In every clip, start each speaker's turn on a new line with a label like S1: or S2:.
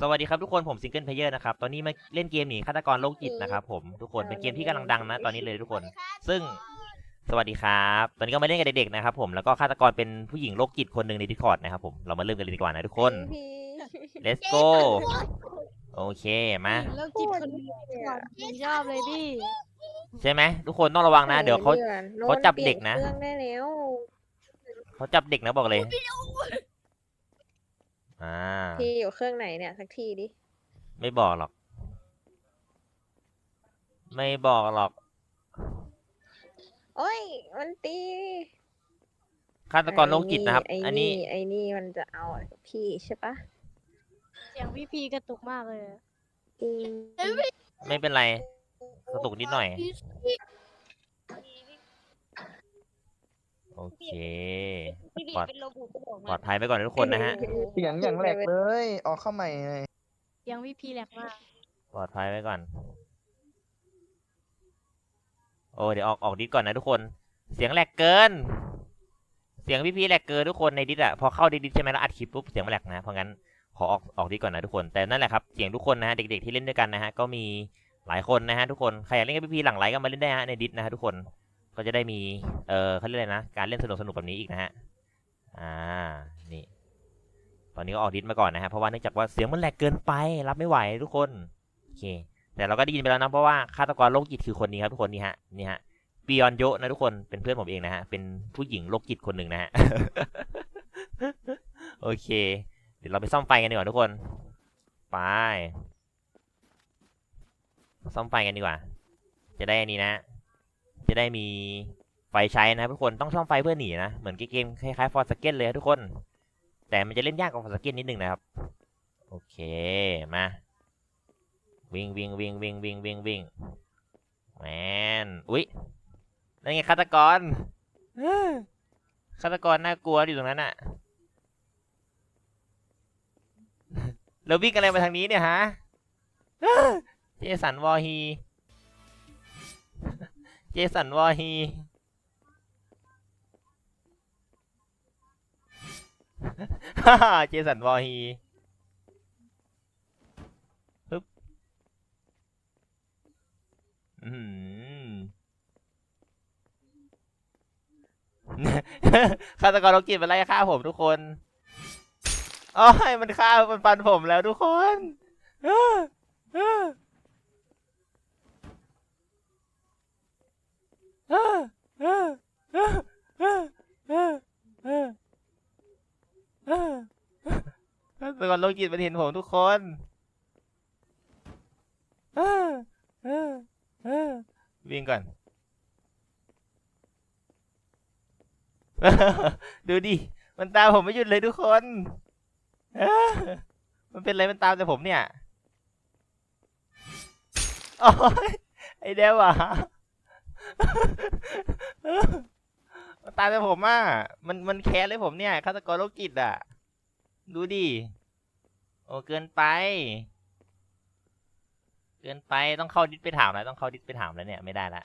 S1: สวัสดีครับทุกคนผมซิงเกิลเพลเยอร์นะครับตอนนี้มาเล่นเกมหนีฆาตกรโรคจิตนะครับผมทุกคนเป็นเกมที่กำลังดังนะตอนนี้เลยทุกคนซึ่งสวัสดีครับตอนนี้ก็มาเล่นกับเด็กๆนะครับผมแล้วก็ฆาตกรเป็นผู้หญิงโรคจิตคนหนึ่งใน Discord นะครับผมเรามาเริ่มกันเลยดีกว่านะทุกคน
S2: พี่
S1: let's go โอเคมา
S3: โรคจิตคนนี้ผมชอบเลยพี่
S1: ใช่ไหมทุกคนต้องระวังนะเดี๋ยวเขาจับเด็กนะ
S2: เครื่องได้แล้ว
S1: เขาจับเด็กนะบอกเลย
S2: พี่อยู่เครื่องไหนเนี่ยสักทีดิ
S1: ไม่บอกหรอกไม่บอกหรอก
S2: โอ้ยมันตี
S1: ฆาตกรโรคจิตนะครับอันนี้
S2: ไอ้นี่มันจะเอาอะไรกับพี่ใช่ปะ
S3: เสียงพี่พีกระตุกมากเลย
S2: จริง
S1: ไม่เป็นไรกระตุกนิดหน่อยโอเคปลอดภัยไปก่อนนะทุกคนนะฮะ
S4: เสียงอย่างแหลกเลยออกเข้าใหม่เลย
S3: เสียงพี่พีแหลกมาก
S1: ปลอดภัยไว้ก่อนโอ้เดี๋ยวออกดิสก่อนนะทุกคนเสียงแหลกเกินเสียงพี่แหลกเกินทุกคนในดิสอะพอเข้าดิสใช่ไหมแล้วอัดคลิปปุ๊บเสียงมันแหลกนะเพราะงั้นขอออกดิสก่อนนะทุกคนแต่นั่นแหละครับเสียงทุกคนนะฮะเด็กๆที่เล่นด้วยกันนะฮะก็มีหลายคนนะฮะทุกคนใครอยากเล่นกับพี่หลังไลฟ์ก็มาเล่นได้ฮะในดิสนะฮะทุกคนก็จะได้มีเขาเรียกอะไรนะการเล่นสนุกแบบนี้อีกนะฮะนี่ตอนนี้ก็ออกดิสมาก่อนนะฮะเพราะว่าเนื่องจากว่าเสียงมันแหลกเกินไปรับไม่ไหวทุกคนโอเคแต่เราก็ได้ยินไปแล้วนะเพราะว่าฆาตกรโรคจิตคือคนนี้ครับทุกคนนี่ฮะปิยอนโยนะทุกคนเป็นเพื่อนผมเองนะฮะเป็นผู้หญิงโรคจิตคนหนึ่งนะฮะ โอเคเดี๋ยวเราไปซ่อมไฟกันดีกว่าทุกคนไปซ่อมไฟกันดีกว่าจะได้อันนี้นะจะได้มีไฟใช้นะทุกคนต้องซ่อมไฟเพื่อหนีนะเหมือนเกมคล้ายๆฟอร์สเกตเลยทุกคนแต่มันจะเล่นยากกว่าฟอร์สเกตนิดนึงนะครับโอเคมาวิ่งแมนอุ๊ยนั่นไงฆาตกรฆาตกรน่ากลัวอยู่ตรงนั้นอะเราวิ่งอะไรมาทางนี้เนี่ยฮะเจสันวอฮีเจสันวอฮีเจสันวอฮีปึ๊บฆาตกรโรคจิตมาไล่ฆ่าผมทุกคนโอ้ยมันฆ่ามันฟันผมแล้วทุกคนฆาตกรโรคจิตมันเห็นผมทุกคนวิ่งก่อนดูดิมันตามผมไม่หยุดเลยทุกคนมันเป็นอะไรมันตามแต่ผมเนี่ยโอ้ยไอเดวอะมันตามแต่ผมอ่ะมันแค้นเลยผมเนี่ยฆาตกรโรคจิตอ่ะดูดิโอ้เกินไปต้องเข้าดิสไปถามแล้วต้องเข้าดิสไปถามแล้วเนี่ยไม่ได้ละ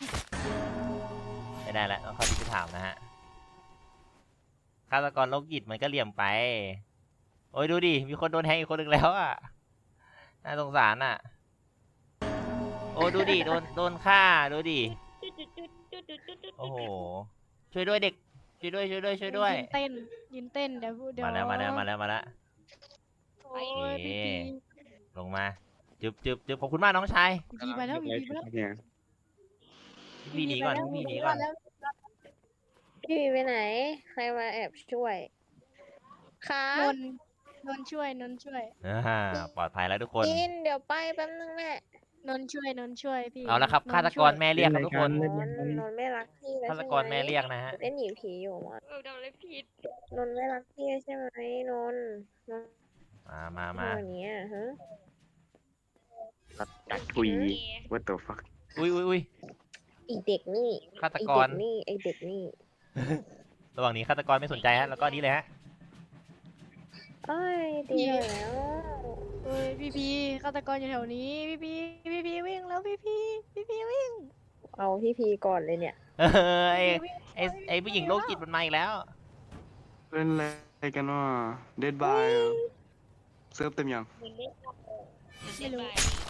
S1: ต้องเข้าดิสไปถามนะฮะฆาตกรโรคจิตมันก็เหลี่ยมไปโอ้ยดูดิมีคนโดนแทงอีกคนหนึ่งแล้วอ่ะน่าสงสารอ่ะโอ้ดูดิโดนฆ่าดูดิโอ้โหช่วยด้วยเด็กช่วยด้วย
S3: ยืนเต้นเดี๋ยว
S1: มาแล้ว
S3: โอ้ยพี่พี
S1: ลงมาจึบขอบคุณมากน้องชาย
S3: พี่พีมาแล้วพี่พีมาแล้ว
S1: พี่หนีก่อน
S2: พี่ไปไหน ใครมาแอบช่วยค่ะ
S3: นนช่วย
S1: ปลอดภัยแล้วทุกคน
S2: กินเดี๋ยวไปแป๊บนึงแม่
S3: นนช่วยพี่
S1: เอาละครับฆาตกรแม่เรียกครับทุกคน
S2: นนไม่รักพี่แล้ว
S1: ฆาต
S2: ใช่ไห
S1: กรแม่เรียกนะฮะ
S2: เล่นหนีผีอยู่มั้ง
S3: โดนเลยผิด
S2: นนไม่รักพี่ใช่ไหมนน
S1: มา
S2: ตัวเนี้ยฮะ
S5: ดักทุย what the fuck
S1: อุ้ย
S2: ไอเด็กนี่
S1: ฆาตกร
S2: ไอเด็กนี่
S1: ระหว่างนี้ฆาตกรไม่สนใจฮะแล้วก็นี้เลยฮะ
S2: เอ้ยดีแล้ว
S3: เฮ้ยพี่พีฆาตกรอยู่แถวนี้พี่พีวิ่งแล้วพี่พีวิ่ง
S2: เอาพี่พีก่อนเลยเนี่ย
S1: ไอผู้หญิงโรคจิตมันมาอีกแล้ว
S5: เป็นอะไรกันวะ dead by เซิร์ฟเต็มยัง
S3: ไม่รู้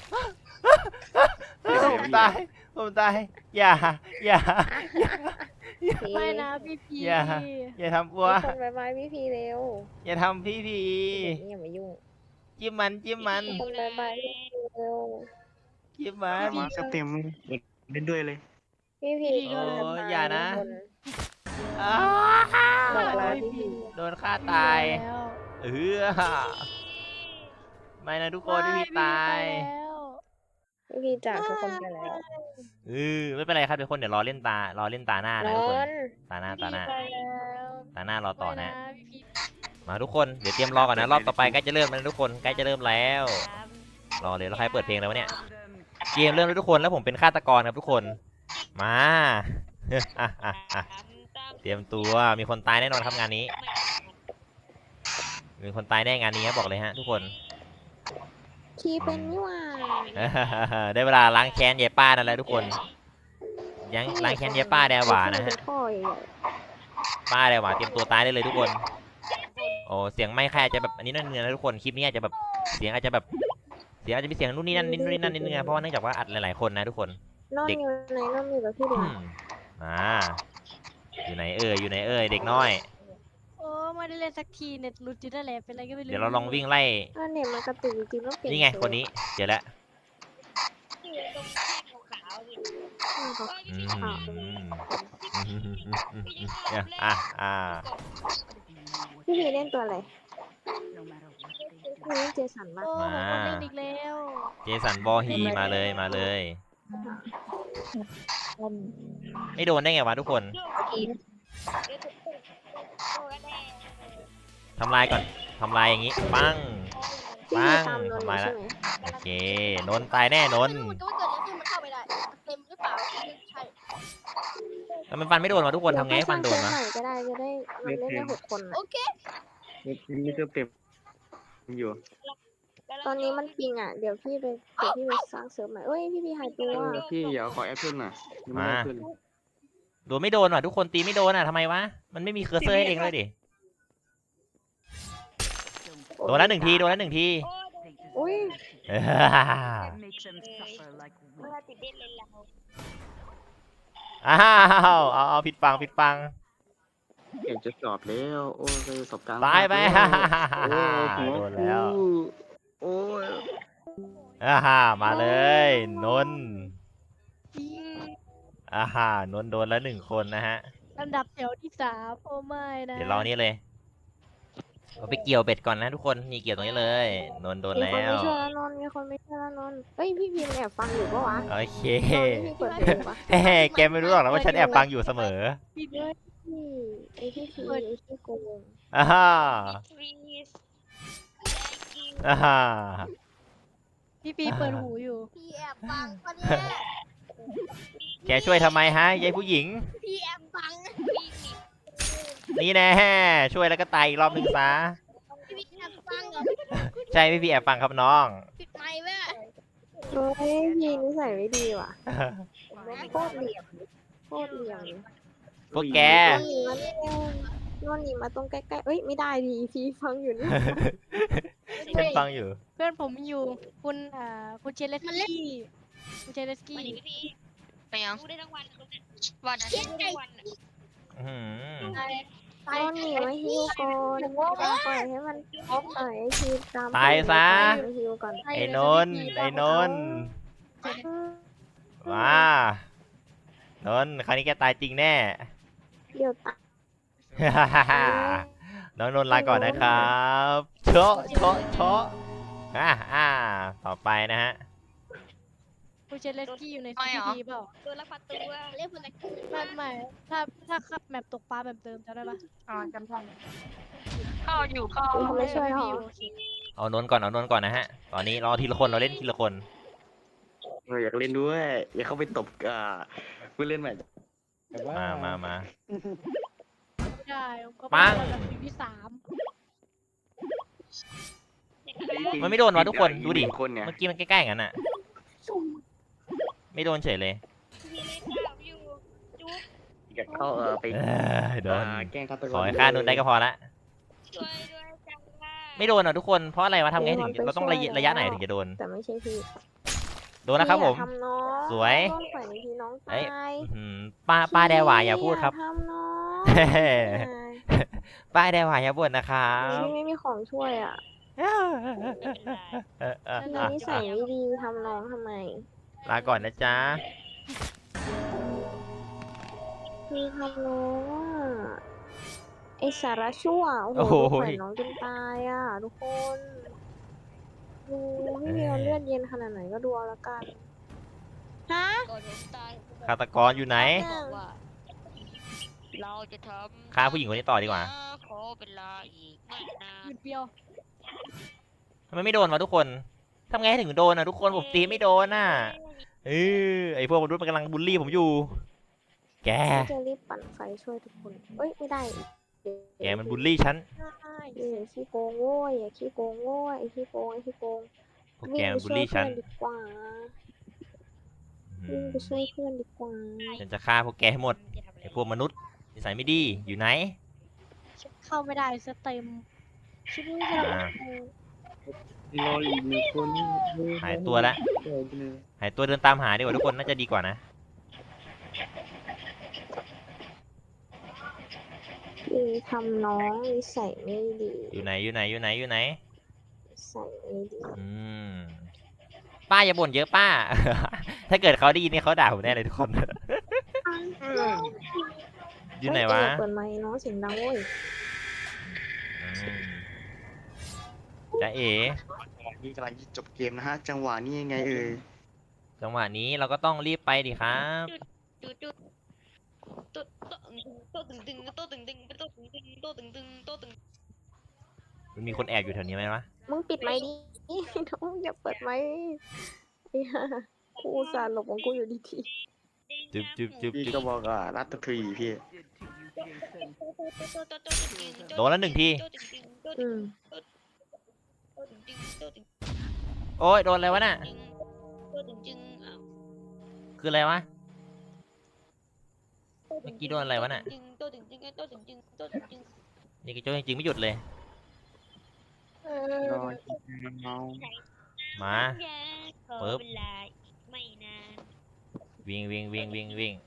S1: ผมตายผมตายอย่าอย่า
S2: พี่
S3: ไม่นะพี่พี
S1: อย่าทำอัว
S2: มีคนบายบายพี่พีเร็ว
S1: อย่าทำพี่พี
S2: เดี๋ยวนี้อย่ามายุ่ง
S1: จิ้มมันจิ้มมัน
S2: มีคนบายบายพี่พีเร็ว
S1: จิ้มมัน
S5: มาเซิร์ฟเต็มเล่นด้วยเลย
S2: พี่พี
S1: โอ้ยอย่านะ
S2: คน
S1: อ้า
S2: บอกลาพี่พี
S1: โดนฆ่าตาย
S3: แล้ว
S1: ไม่นะทุกคนพี่พีตาย
S2: พี่พีจากทุกคนไปแล้ว
S1: ไม่เป็นไรครับทุกคนเดี๋ยวรอเล่นตาหน้านะ
S2: น
S1: ทุกคน
S2: อน
S1: ตาหน้า
S3: ไปแล้ว
S1: ตาหน้ารอต่อนะ
S3: พี่พี
S1: มาทุกคนเดี๋ยวเตรียมรอก่อนนะรอบต่อไปใกล้จะเริ่มแล้วนะทุกคนใกล้จะเริ่มแล้วรอเลยแล้วใครเปิดเพลงแล้ววะเนี่ยเกมเริ่มแล้วทุกคนแล้วผมเป็นฆาตกรครับทุกคนมา เตรียมตัวมีคนตายแน่นอนครับงานนี้มีคนตายแน่งานนี้ครับบอกเลยฮะทุกคน
S2: ทีเป็นนี่หว่า
S1: ได้เวลาล้างแค้นยายป้านั่นแหละทุกคนยังล้างแค้นยายป้าแดวหวานะฮะ
S2: เป็นท่อใหญ่
S1: ป้าแดวหวาเตรียมตัวตายได้เลยทุกคนโอ้เสียงไม่ค่อยอาจจะแบบอันนี้นั่นเนื้อนะทุกคนคลิปนี้อาจจะแบบเสียงอาจจะแบบเสียงอาจจะมีเสียงนู่นนี่นั่นนิดนู่นนี่นั่นนิดนึงนะเพราะว่าเนื่องจากว่าอัดหลายๆคนนะทุกคน
S2: นอนอยู่ไหนนอนอยู่กับพี่เด็ก
S1: มาอยู่ไหนเอ่ยอยู่ไหนเอ่ยเด็กน้อย
S3: โอ้ไม่ได้เล่นสักทีเน็ตหลุดอยู่นั่นแหละเป็นอะไรก็ไม่รู้
S1: เดี๋ยวเราลองวิ่งไล่
S2: ถ้าเนี่ยมันกระตุกจริงๆต้องเปลี่ยน
S1: นี่ไงคนนี้เจอแล้วอืมอ่า
S2: พี่พีเล่นตัวอะไรพี่เล่นเจสันมาก
S3: โอ้คนเล่นอีกแล้ว
S1: เจสันบอฮีมาเลยมาเลย ไม่โดนได้ไงวะทุกคนทำลายก่อนทำลายอย่างงี้ปัง
S2: พี่
S1: ปั
S2: พี
S1: ง
S2: ตามนน
S1: ทำ
S2: ท์
S1: ลาย
S2: ใช่
S1: แล้ว
S2: ไหม
S1: โอเคนนท์ตายแน่นนท์
S3: ไม่รู้ว่าเกิดอะไรขึ้นมันเข้าไม่ได้เต็มหรือเปล่าใช่
S1: แล้วมันฟันไม่โดนวะทุกคนทำไงให้ฟันโดน
S2: เดี๋ยว
S1: วะ
S2: ค่อยสร้างเซิร์ฟใหม่ก็ได้จะได้มันเล่นได้6 คนน่ะ
S3: โอเค
S5: มีเซิร์ฟเต็มอยู่
S2: ตอนนี้มันปิงอ่ะเดี๋ยวพี่ไปสร้างเซิร์ฟใหม่เอ้ยพี่พีหายตัว
S5: พี่อย่าขอแอปเปิลน่ะยังไม่ได้ขึ้น
S1: โดนไม่โดนว่ะทุกคนตีไม่โดนอ่ะทำไมวะมันไม่มีเคอร์เซอร์ให้เองเลยดิโดนแล้ว1 ทีโดนแล้ว1 ที
S2: อุ้ย
S1: อ้าวเอาผิดฟัง
S5: อยากจะสอบแล้วโอ้ยสอบกลาง
S1: ตายไป
S5: โอ้หัว
S1: โดนแล้ว
S5: โอ้ย
S1: มาเลยนนท์นนท์โดนแล้ว1 คนนะฮะ
S3: ลำดับแถวที่3โอ้ไม่นะ
S1: เดี๋ยวเรานี่เลยเราไปเกี่ยวเบ็ดก่อนนะทุกคนนี่เกี่ยวตรงนี้เลยนนท์โดน
S2: มี
S1: แล้
S2: คนไม่
S1: ว
S2: เชื่อแล้วนนท์มีคนไม่เชื่อแล้วนนท์เอ้ยพี่พีแอบฟังอยู่ปะวะ
S1: โอเค
S2: ตอนที่พี่เปิดเพลงปะ
S1: เฮ้แกไม่รู้หรอกนะว่าฉันแอบฟังอยู่เสมอ
S3: พี่ด้วย
S2: พี่ไอพี่พีไอพี่โกง
S1: อ่าฮ่าอ่าฮ่า
S3: พี่พีเปิดหูอยู่พี่แอบฟังคนนี้
S1: แกช่วยทำไมฮะยายผู้หญิง
S3: พี่แอบฟัง
S1: นี่แน่ช่วยแล้วก็ตายอีกรอบหนึ่งซะ
S3: พี่แอบฟังเหรอ
S1: ใช่พี่แอบฟังครับน้อง
S3: ปิดไมค์แม่
S2: เฮ้ยพี่นิสัยไม่ดีว่ะโคตรเหลี่ยมโคตรเหลี่ยม
S1: พวกแก
S2: นนท์หนีมาตรงใกล้ๆเอ้ยไม่ได้ดีพี่ฟังอยู่นี่
S1: ฉันฟังอยู่
S3: เพื่อนผมอยู่คุณคุณเชลเลสกี้คุณเชลเลสกี้
S6: ไปยังพูดได้ทั้งวันวันอาทิตย์ทั้งวัน
S1: อื้อหือ
S2: นนท์หนีมาฮิวก่อนปล่อยให้มันปล่อยให้ทีตาม
S1: ตายซะ
S2: ไปฮิวก่อน
S1: ไอ้นนท์ไอ้นนท์มานนท์คราวนี้แกตายจริงแน่
S2: เดี๋ยวตาย
S1: น้องนนท์ลาก่อนนะครับโชะต่อไปนะฮะ
S3: คุณเชลเลสกี้อยู่ในซีพีเปล่า
S6: ตัวละพันตัวเรียกคนละ
S3: ไม่ถ้าขับแมปตกปลาแบบเดิมจำได้ปะ
S6: จำได้เข้าอยู่เข้า
S2: เขาไม่ช่วยหรอ
S1: เอานนท์ก่อนนะฮะ ตอนนี้รอทีละคนเราเล่นทีละคน
S5: อยากเล่นด้วยอยากเข้าไปตบผู้เล่นใหม่
S1: มา
S3: ไม่ได้ก็
S1: ปัง
S3: ลำดับที่3
S1: มันไม่โดนวะทุกคนดูดิ
S5: คนเนี่ย
S1: เมื่อกี้มันใกล้ๆกันน่ะ ไม่โดนเฉยเลย
S6: มีเล่นข่าวอยู่จุ๊บ
S5: อยากเข้าไป
S1: โดน
S5: แกล้งฆาตกร
S1: ขอให้ฆ่านนท์ได้ก็พอละ
S6: ช่วยด้วยจังว่า
S1: ไม่โดนอ่ะทุกคนเพราะอะไรวะทำไงถึงเราต้องระยะไหนถึงจะโดน
S2: แต่ไม่ใช่พี่
S1: โดนนะครับผม
S2: อย่าทำน้อง
S1: สวย
S2: ต้องปล่อยทีน้อง
S1: เอ้
S2: ตาย ย
S1: ป้าแดหวายอย่าพูดครับ
S2: ทำน้อง
S1: ป้าแดหวายอย่าบ่นนะครับ
S2: พี่ไม่มีของช่วยอ่ะ พี่นิสัยไม่ดีทำน้องทำไม
S1: ลาก่อนนะจ๊ะ
S2: คือทำน้องอ่ะไอสาระชั่วโอ้
S1: โอ้
S2: โห
S1: โห
S2: ดูแขวนน้องจนตายอ่ะทุกคนดูพี่เมียวเลือดเย็นขนาดไหนก็ดูเอาละกันฮะ
S6: ก่อนผมตาย
S1: ฆาตกรอยู่ไหน
S6: บอกว่าเราจะทำ
S1: ฆ่าผู้หญิงคนนี้ต่อดีกว่า
S6: ขอเวลาอีกไม่นาน
S3: หยุดเดียว
S1: ทำไมไม่โดนวะทุกคนทำไงให้ถึงโดนอ่ะทุกคนผมตีไม่โดนอ่ะไอพวกมนุษย์มันกำลังบูลลี่ผมอยู่ แก
S2: จะรีบปั่นไฟช่วยทุกคนเอ้ยไม่ได้
S1: แกมันบูลลี่ฉัน
S2: อย่าขี้โกงโว้ยอย่าขี้โกงโว้ยไอขี้โกงไอขี้โกง
S1: พวกแกมันบูลลี่ฉัน
S2: วิ่งไปช่วยเพื่อนดีกว่า
S1: อื
S2: วิ่ง
S1: ม
S2: ไปช่วยเพื่อนดีกว่า
S1: ฉันจะฆ่าพวกแกให้หมดไอพวกมนุษย์นิสัยไม่ดีอยู่ไหน
S3: เข้าไม่ได้สเต็มชิบุจะ
S1: อ่า
S5: รออีกหนึ่งคน
S1: หายตัวละหายตัวเดินตามหาดีกว่าทุกคนน่าจะดีกว่านะ
S2: พี่ทำน้องนิสัยไม่ดี
S1: อยู่ไหนอยู่ไหนอยู่ไหนอยู่ไหน
S2: นิสัยไม่ดี
S1: อืมป้าอย่าบ่นเยอะป้า ถ้าเกิดเขาได้ยินนี่เขาด่าผมแน่เลยทุกคน อยู่ไหนวะ
S2: เฮ้ยเปิดไมค์น้องเสียงดังเว้ย
S1: อืมจ๊ะเอ๋
S5: นี่กำลังจะจบเกมนะฮะ จังหวะนี้ยังไงเอ่ย
S1: จังหวะนี้เราก็ต้องรีบไปดิครับ
S6: จุดจุดโต๊ะตึงตึงโต๊ะตึงตึงโต๊ะตึงตึงโต๊ะตึงตึงโต๊ะตึง
S1: มันมีคนแอบอยู่แถวนี้ไหมวะ
S2: มึงปิดไมค์ดิ น้องอย่าเปิดไมค์ไอ้ห่ากูอุตส่าห์หลบของกูอยู่ดี
S1: จุ๊บจุ๊บจุ๊บ
S5: พี่
S1: จุ๊
S5: ก็
S1: บ
S5: บอกว่ารัตทรีพี่
S1: โดนแล้วหนึ่งที
S2: ๆอืม
S1: โอ้ยโดนอะไรวะน่ะ คืออะไรวะ เมื่อกี้โดนอะไรวะน่ะ นี่กระโจนจริงๆไม่หยุดเลย
S5: รออีกเมา
S1: มา ปึ๊บ
S6: เวลาไม่นาน
S1: วิ่งวิ่งวิ่งวิ่งวิ่ง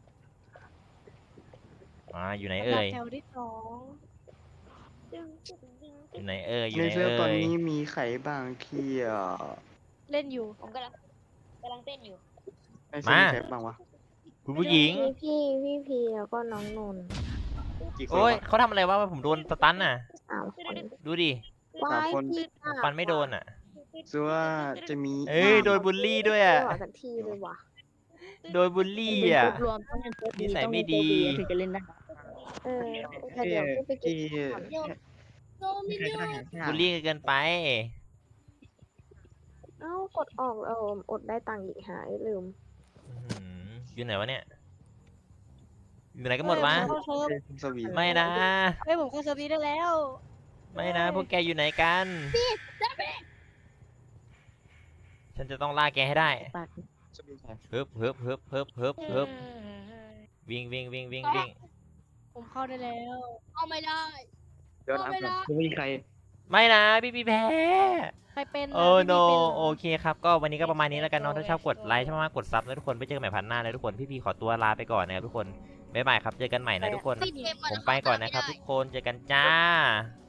S1: มาอยู่ไหนเอ่ย
S3: แถวที่สอง
S1: อยู่ไหนเอ่ยอยู่
S5: ใน
S1: ไหน
S5: เซิร์ฟ
S1: เอ่
S5: ตอน
S1: ย
S5: นี้มีใครบ้างที่
S3: เล่นอยู่
S6: ผมกำลังเต้นอยู่
S5: ในเซิร์ฟมีใครบ้างวะ
S1: คุณผู้หญิง
S2: มีพี่พีแล้วก็น้องนนท์
S5: กี่คน
S1: โอ้ยว
S5: ะ
S1: เขาทำอะไรวะผมโดนสตันน่ะ
S2: 3 คน
S1: ดูดิ
S2: วาย
S5: คน
S2: พี่อ่ะ
S1: ฟันไม่โดนอ่ะ
S5: ซัวาจะมี
S1: เอ้ยโดนบูลลี่ด้วย
S2: ไม่
S1: อ่ะ
S2: หล่อสักทีเลยว่ะ
S1: โดนบูลลี่อ่ะ
S7: รวมต้องเป็นโค้ด
S1: นิสัยไม่ดี
S7: ถึงจะเล่นได้
S2: เออแต่เดี๋ยวพี่ไปกิน
S5: ที่
S2: ก่อน
S5: มีใครก็ได้หา
S1: บูลลี่เกินไป
S2: เอ้ากดออกอดได้ตังค์อีกหายลืม
S1: อื้อหืออยู่ไหนวะเนี่ย อยู่ไหนกันหมดวะ
S3: เฮ้ยผมเข้าเซิร์ฟ
S5: สวีท
S1: ไม่นะ
S3: เฮ้ยผมเข้าเซิร์ฟนี้ได้แล้ว
S1: ไม่นะ พวกแกอยู่ไหนกัน ฉันจะต้องล่าแกให้ได้
S7: ปาก
S5: สวีทใคร
S1: ฮึบฮึบฮึบฮึบฮึบฮึบวิ่งวิ่งวิ่งวิ่งวิ่ง
S3: ผมเข้าได้แล้ว
S6: เอาไม่ได้
S5: เดี๋ยวนะไม่มีใคร
S1: ไม่นะพี่แพ้
S3: ใครเป็นนะ
S1: โอ้
S3: พี่
S1: โน
S3: เป็นเหรอ
S1: โอเคครับ ก็วันนี้ก็ประมาณนี้แล้วกันเน้องถ้าชอบกดไลค์ชอบมากกดซับนะทุกคนไปเจอกันใหม่พันหน้าเลยทุกคนพี่ขอตัวลาไปก่อนนะครับทุกคนบ๊ายบายครับเจอกันใหม่นะทุกคน ผมไปก่อนนะครับทุกคนเจอกันจ้า